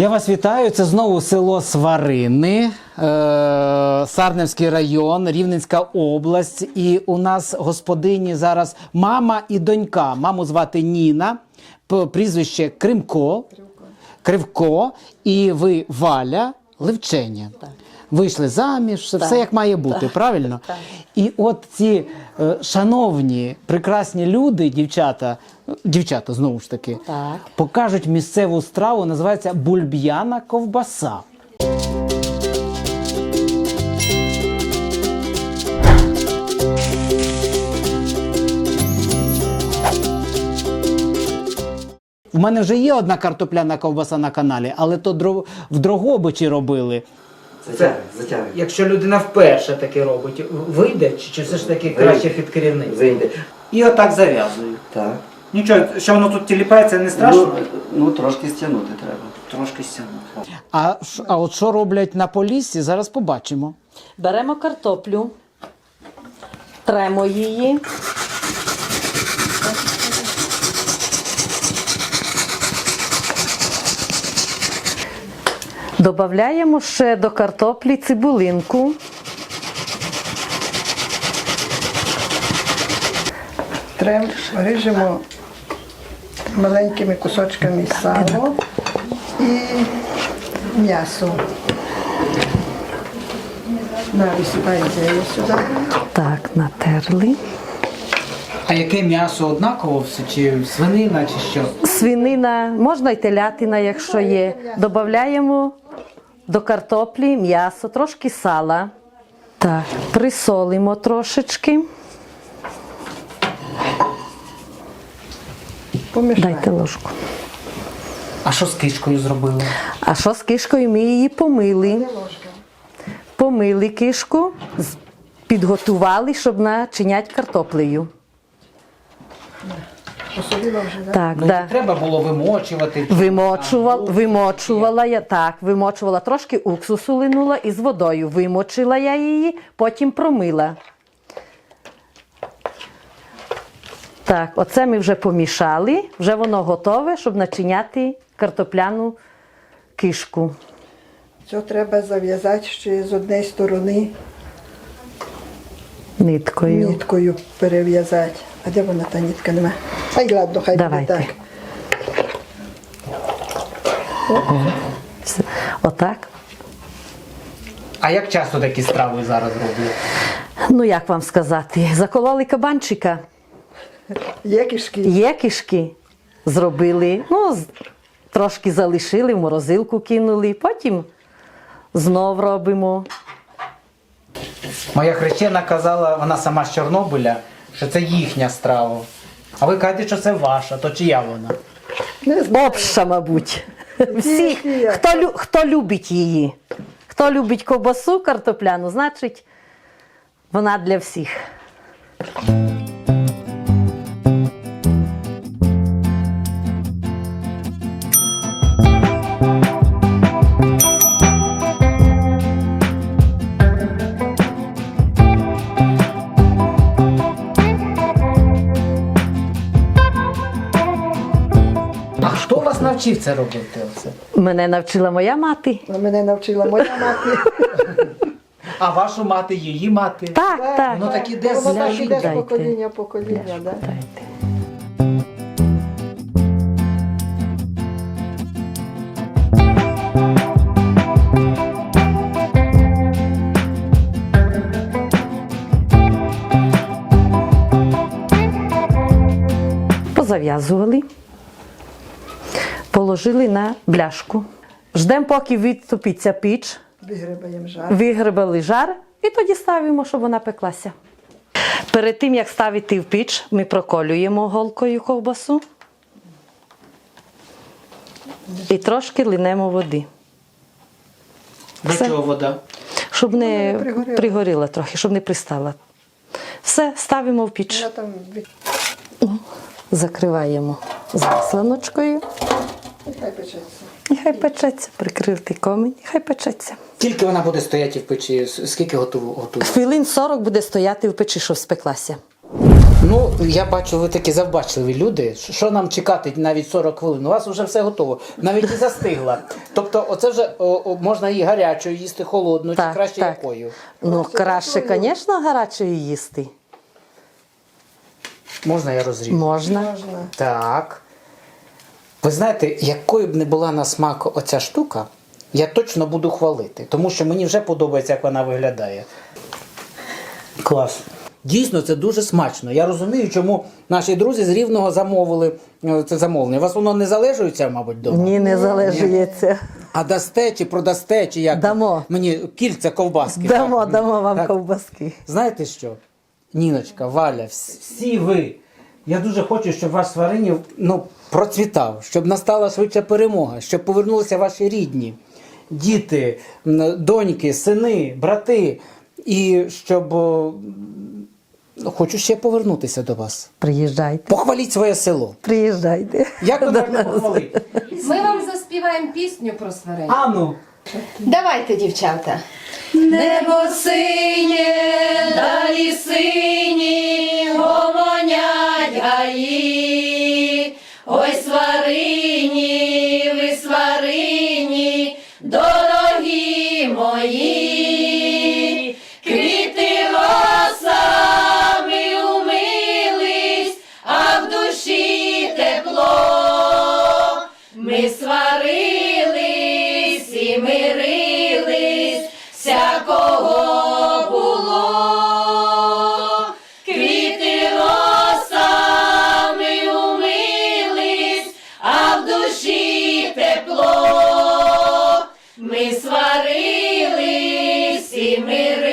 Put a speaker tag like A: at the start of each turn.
A: Я вас вітаю. Це знову село Сварини, Сарненський район, Рівненська область. І у нас господині зараз мама і донька. Маму звати Ніна, прізвище Кривко, і ви Валя Левченя. Так. Вийшли заміж, все як має бути, правильно?
B: Так.
A: І от ці шановні, прекрасні люди, дівчата знову ж таки,
B: Так.
A: покажуть місцеву страву, називається бульб'яна ковбаса. У мене вже є одна картопляна ковбаса на каналі, але то в Дрогобичі робили.
C: Затягуй.
A: Якщо людина вперше таке робить, вийде? Чи все ж таки краще під керівництвом?
C: Вийде.
A: І отак зав'язую.
C: Так.
A: Нічого, що воно тут тіліпається, не страшно?
C: Ну, трошки стягнути треба.
A: Трошки стягнути. А от що роблять на Поліссі, зараз побачимо.
B: Беремо картоплю, тремо її. Добавляємо ще до картоплі цибулинку.
D: Ріжемо маленькими кусочками сало і м'ясо. Висипаємо сюди.
B: Так, натерли.
A: А яке м'ясо однаково все? Чи свинина, чи що?
B: Свинина, можна й телятина, якщо є. Добавляємо до картоплі м'ясо, трошки сала. Так, присолимо трошечки.
D: Помішаємо.
B: Дайте ложку.
A: А що з кишкою зробили?
B: А що з кишкою? Ми її помили. Помили кишку, підготували, щоб начиняти картоплею.
D: Посолила вже, так?
B: Так,
A: Ну,
B: да.
A: треба було вимочувати.
B: Вимочувала я, так, вимочувала, трошки уксусу линула і з водою вимочила я її, потім промила. Так, оце ми вже помішали, вже воно готове, щоб начиняти картопляну кишку.
D: Це треба зав'язати ще з однієї сторони
B: Ниткою.
D: ниткою перев'язати. А де вона та нитка нема? Ай, ладно, хай буде
B: Давайте.
D: так.
B: Все. Отак.
A: А як часто такі страви зараз роблять?
B: Ну, як вам сказати, закололи кабанчика.
D: Є кишки.
B: Є кишки, зробили, ну, трошки залишили, в морозилку кинули, потім знов робимо.
A: Моя хрещена казала, вона сама з Чорнобиля, що це їхня страва. А ви кажете, що це ваша, то чия вона?
D: Не знаю.
B: Обща, мабуть. Всі,
D: Є.
B: хто любить її. Хто любить ковбасу картопляну, значить, вона для всіх.
A: А хто вас навчив це робити? Оце?
B: Мене навчила моя мати.
D: Мене навчила моя мати.
A: А вашу мати, її мати?
B: Так, так.
A: Ну так іде
D: Воно так
A: з
D: іде з
B: Дайте.
D: покоління в покоління, так?
B: Дайте. Позав'язували, положили на бляшку. Ждемо, поки відтопиться піч,
D: Вигребаємо жар.
B: вигребали жар і тоді ставимо, щоб вона пеклася. Перед тим, як ставити в піч, ми проколюємо голкою ковбасу і трошки линемо води.
A: До
B: Все.
A: чого вода?
B: Щоб не
D: пригоріла.
B: пригоріла трохи, щоб не пристала. Все, ставимо в піч.
D: Я там
B: Закриваємо засланочкою.
D: хай печеться.
B: І хай печеться, прикритий комінь, і хай печеться.
A: Скільки вона буде стояти в печі? Скільки готує?
B: Хвилин 40 буде стояти в печі, щоб спеклася.
A: Ну, я бачу, ви такі завбачливі люди. Що нам чекати навіть 40 хвилин? У вас вже все готово. Навіть і застигла. Тобто, оце вже можна і гарячою їсти, холодну, чи краще якою?
B: Ну, краще, звісно, гарячою їсти.
A: Можна я розріжу?
B: Можна.
A: Так. Ви знаєте, якою б не була на смак оця штука, я точно буду хвалити. Тому що мені вже подобається, як вона виглядає. Клас. Дійсно, це дуже смачно. Я розумію, чому наші друзі з Рівного замовили це замовлення. У вас воно не залежується, мабуть, вдома?
B: Ні, не залежується.
A: А дасте чи продасте, чи як?
B: Дамо.
A: Мені кільця ковбаски.
B: Дамо,
A: так?
B: дамо вам
A: Так.
B: ковбаски.
A: Знаєте що? Ніночка, Валя, всі ви. Я дуже хочу, щоб ваш Сваринів процвітав, щоб настала швидша перемога, щоб повернулися ваші рідні, діти, доньки, сини, брати. І щоб хочу ще повернутися до вас.
B: Приїжджайте.
A: Похваліть своє село.
B: Приїжджайте.
A: Як ви можете похвалити?
E: Ми вам заспіваємо пісню про сварень.
A: Ану.
E: Давайте, дівчата.
F: Небо синє, далі сині, гомонять гаї. Ой, сварині, ви сварині, дорогі мої. Квіти росами умились, а в душі тепло. Ми сварились і мирились, всякого було. Квіти росами умились, а в душі тепло. Ми сварились і мирились,